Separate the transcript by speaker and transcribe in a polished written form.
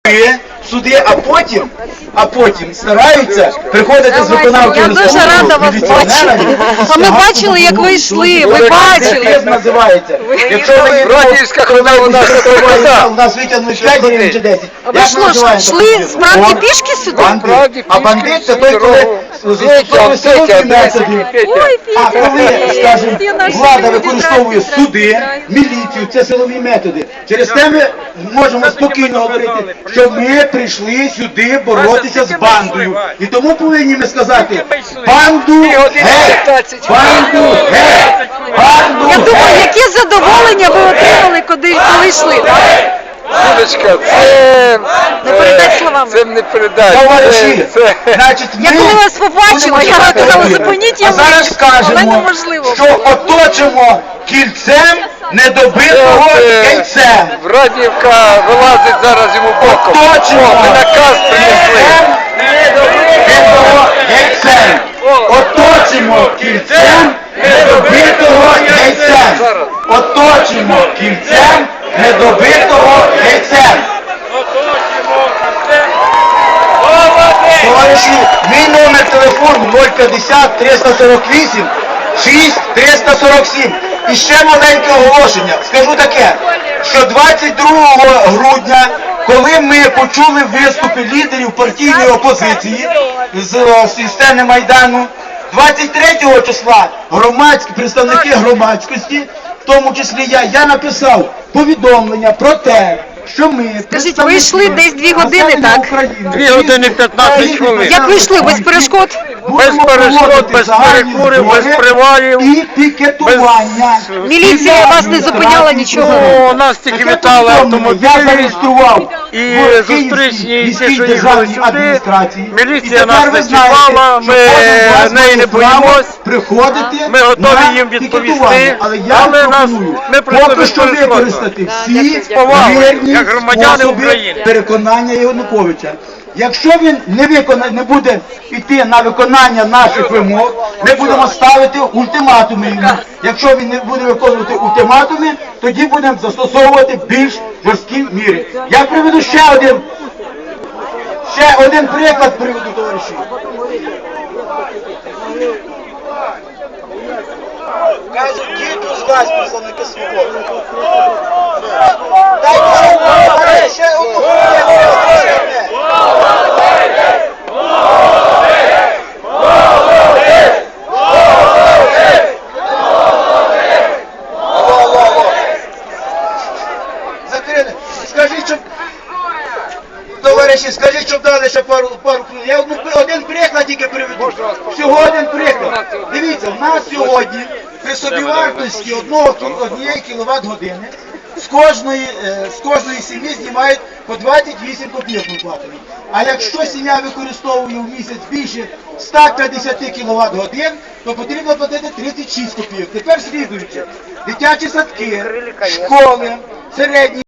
Speaker 1: суди, а потім стараються приходити з виконавчого.
Speaker 2: Я дуже рада вас бачити. А ми бачили, як ви йшли, ви бачили.
Speaker 1: Називається. Якщо ви
Speaker 3: Братівська хода у нас
Speaker 1: витягнуть 5 гривень чи 10.
Speaker 2: А ви що, йшли справді пішки сюди?
Speaker 1: А бандит це той, коли застосовує силові методи. А коли, скажімо, влада використовує суди, міліцію, це силові методи. Через те ми можемо спокійно говорити, що ми прийшли сюди боротися з бандою. І тому повинні ми сказати: банду геть! Банду геть! Банду
Speaker 2: Я думаю,
Speaker 1: геть!
Speaker 2: яке задоволення ви отримали, коли йшли.
Speaker 3: Юлечка, це
Speaker 2: Не передать словами.
Speaker 3: Це не передать.
Speaker 1: Товариші, значить,
Speaker 2: Я коли вас побачила, я казала, зупиніть, я
Speaker 1: а зараз
Speaker 2: вийду. Але
Speaker 1: скажемо,
Speaker 2: неможливо.
Speaker 1: що оточимо кільцем недобитого яйцем.
Speaker 3: Врадівка вилазить зараз йому боком.
Speaker 1: Оточимо
Speaker 3: Ми наказ принесли.
Speaker 1: недобитого яйцем. Оточимо кільцем недобитого яйцем. Оточимо кільцем недобитого яйцем. Товариші, мій номер телефону 050 348 6347. І ще маленьке оголошення. Скажу таке, що 22 грудня, коли ми почули виступи лідерів партійної опозиції з сцени Майдану, 23 числа представники громадськості, в тому числі я написав повідомлення про те, що ми...
Speaker 2: Скажіть, ви йшли десь 2 години, так?
Speaker 3: 2 години 15 хвилин.
Speaker 2: Як ви йшли, без перешкод?
Speaker 3: Без перешкод, без перекурів, без привалів.
Speaker 1: І пікетування.
Speaker 2: Міліція вас не зупиняла нічого?
Speaker 3: Ну, нас тільки вітали
Speaker 1: Я
Speaker 3: автомобілі.
Speaker 1: зареєстрував
Speaker 3: І
Speaker 1: в
Speaker 3: зустрічні, і
Speaker 1: Київській
Speaker 3: ті, що їхали
Speaker 1: державній
Speaker 3: сюди,
Speaker 1: адміністрації.
Speaker 3: міліція
Speaker 1: І тепер
Speaker 3: нас
Speaker 1: ви
Speaker 3: не
Speaker 1: знаєте,
Speaker 3: чіпала,
Speaker 1: що
Speaker 3: ми
Speaker 1: кожен з вас
Speaker 3: неї
Speaker 1: має
Speaker 3: не
Speaker 1: право
Speaker 3: боїмось.
Speaker 1: приходити
Speaker 3: Ми готові
Speaker 1: на
Speaker 3: їм відповісти,
Speaker 1: пікетування. Але я
Speaker 3: але
Speaker 1: пропоную
Speaker 3: ми прийшли
Speaker 1: поки
Speaker 3: без
Speaker 1: що
Speaker 3: перешкод.
Speaker 1: використати всі
Speaker 3: повагою,
Speaker 1: мирні
Speaker 3: як громадяни
Speaker 1: способи
Speaker 3: України.
Speaker 1: переконання Януковича. Якщо він не буде йти на виконання наших вимог, ми будемо ставити ультиматуми йому. Якщо він не буде виконувати ультиматуми, тоді будемо застосовувати більш жорсткі міри. Я приведу ще один приклад приведу, товариші. Кажуть, діти з вас, представники свободи. Дайте ще одну хвилину. Закрили. Скажіть, щоб... Товариші, скажіть, щоб дали ще пару хвилин. Я один приклад тільки приведу. Всього один приклад. Дивіться, в нас сьогодні при собівартості однієї кіловат-години з кожної сім'ї знімають по 28 копійок ми платимо. А якщо сім'я використовує в місяць більше 150 кВт-годин, то потрібно платити 36 копійок. Тепер слідуючи. Дитячі садки, школи, середні